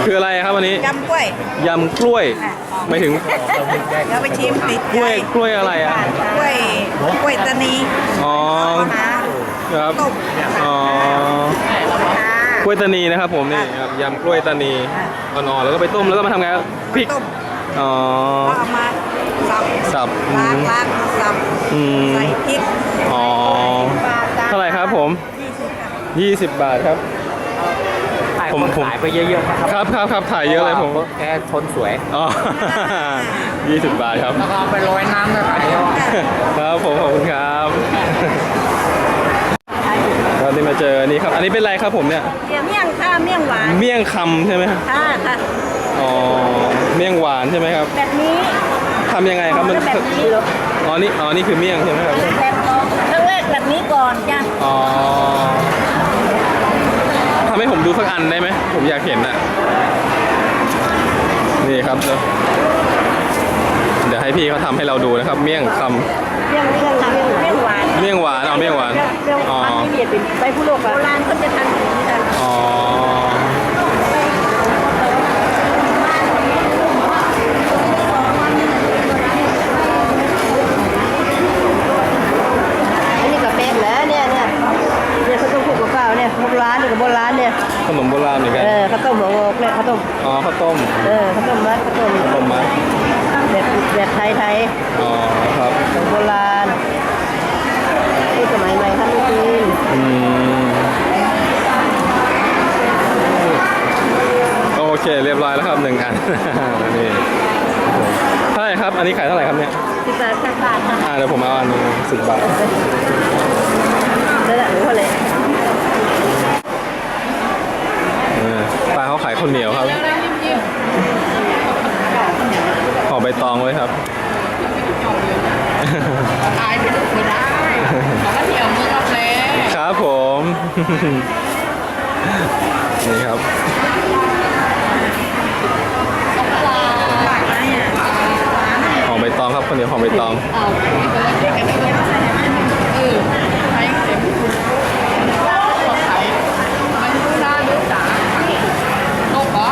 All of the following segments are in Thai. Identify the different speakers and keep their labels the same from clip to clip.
Speaker 1: คืออะไรครับวันนี้
Speaker 2: ยำกล้วย
Speaker 1: ยำกล้วยไม่ถึง
Speaker 2: เดี๋ยวไปชิมติด
Speaker 1: กล้วยกล้วยอะไรอ่ะ
Speaker 2: กล้วยตานี
Speaker 1: อ๋อ
Speaker 2: หา
Speaker 1: ครับ
Speaker 2: ต้ม
Speaker 1: อ๋อกล้วยตานีนะครับผมนี่ครับยำกล้วยตานีอ่อนๆแล้วก็ไปต้มแล้วก็มาทำไงพริก
Speaker 2: ต้ม
Speaker 1: อ๋อ
Speaker 2: แล้วเอามาสับ
Speaker 1: สับ
Speaker 2: ล้างสับ
Speaker 1: อืม
Speaker 2: ใส่พริก
Speaker 1: อ๋อเท่าไหร่ครับผม 20 บาทครับ ผม
Speaker 3: ขายไปเยอะๆนะครับ
Speaker 1: ครับถ่ายเยอะเลยผม
Speaker 3: แกทนสวย
Speaker 1: อ๋อ 20 บาทครับ
Speaker 3: แล้วก็เอาไปโรยน้ำแล้วขายแล้ว
Speaker 1: ครับผมขอบคุณครับตอนนี้มาเจอนี่ครับ อันนี้เป็นอะไรครับผมเนี่ย
Speaker 2: เมี่ยงค่ะเมี่ยงหวาน
Speaker 1: เมี่ยงคำใช่ไหมครับ
Speaker 2: ค่ะค่ะ
Speaker 1: อ๋อ เมี่ยงหวานใช่ไหมครับ
Speaker 2: แบบนี้
Speaker 1: ทำยังไงครับมัน
Speaker 2: แบบนี้
Speaker 1: อ๋อนี่คือเมี่ยงใช่ไหมครับ
Speaker 2: แบบครั้งแรกแบบนี้ก่อนจ้ะ
Speaker 1: อ๋อทำให้ผมดูสักอันได้ไหมผมอยากเห็นน่ะนี่ครับเดี๋ยวให้พี่เขาทำให้เราดูนะครับ เมี่ยงคำ
Speaker 2: เมี่ยงหวาน
Speaker 1: เมี่ยงหวานเอาเมี่ยงหวานอ๋อ
Speaker 2: ที่เรียกเป็นใบผู้โลกโบราณเขาจะทำอย่างนี้กัน
Speaker 1: อ๋อ
Speaker 2: อันนี้ก็เป็นแล้วเนี่ยเขาต้องพูดกับข้าวเนี่ยโบราณนี่กับโบราณเนี่ย
Speaker 1: ขนมโบราณเหมือนกัน
Speaker 2: ข้าวต้มหัวงอกเนี่ยข้าวต้ม
Speaker 1: อ๋อข้าวต้ม
Speaker 2: ข้าวต้มมัดข้าวต้ม
Speaker 1: ข้าวต้มมัด
Speaker 2: แบบไทย
Speaker 1: อ๋อครับ
Speaker 2: โบราณที่สมัยใหม่ครับลูกจีน
Speaker 1: อืมโอเคเรียบร้อยแล้วครับ1 อัน นี่เท่าไหร่ครับอันนี้ขายเท่าไหร่ครับเนี่ย
Speaker 2: 10 บาทค่ะ
Speaker 1: เดี๋ยวผมเอาอันนึง10 บาท
Speaker 2: นั่นแหละหรือว่าอะไร
Speaker 1: ป้าเขาขายข้าวเหนียวครับห่อใบตองไว้ครับ
Speaker 4: ตายไปไม่ได้ขอมาเที่ยวเมืองรับแล
Speaker 1: ครับผม นี่ครับห่อใบตองครับข้าวเหนียวห่อใบตอง
Speaker 4: เอาไปเด็กกันเลยใช้เต็มขอขายมันดูน่าดูจ๋าโลกเหรอ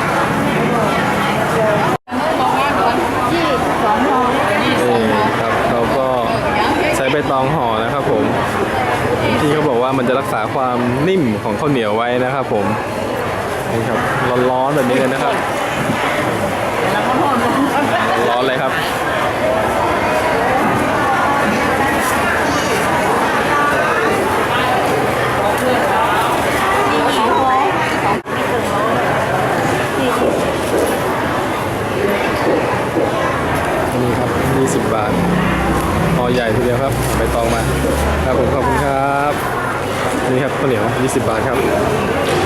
Speaker 4: บอกว่าโดน
Speaker 2: 22 ห่อ
Speaker 1: นี่ครับเราก็ใช้ใบตองห่อนะครับผมที่เขาบอกว่ามันจะรักษาความนิ่มของข้าวเหนียวไว้นะครับผมนี่ครับร้อนๆแบบนี้เลยนะครับร้อนเลยครับนี่ครับ20 บาทห่อใหญ่ทีเดียวครับใบตองมาครับผมขอบคุณครับนี่ครับข้าวเหนียว20 บาทครับ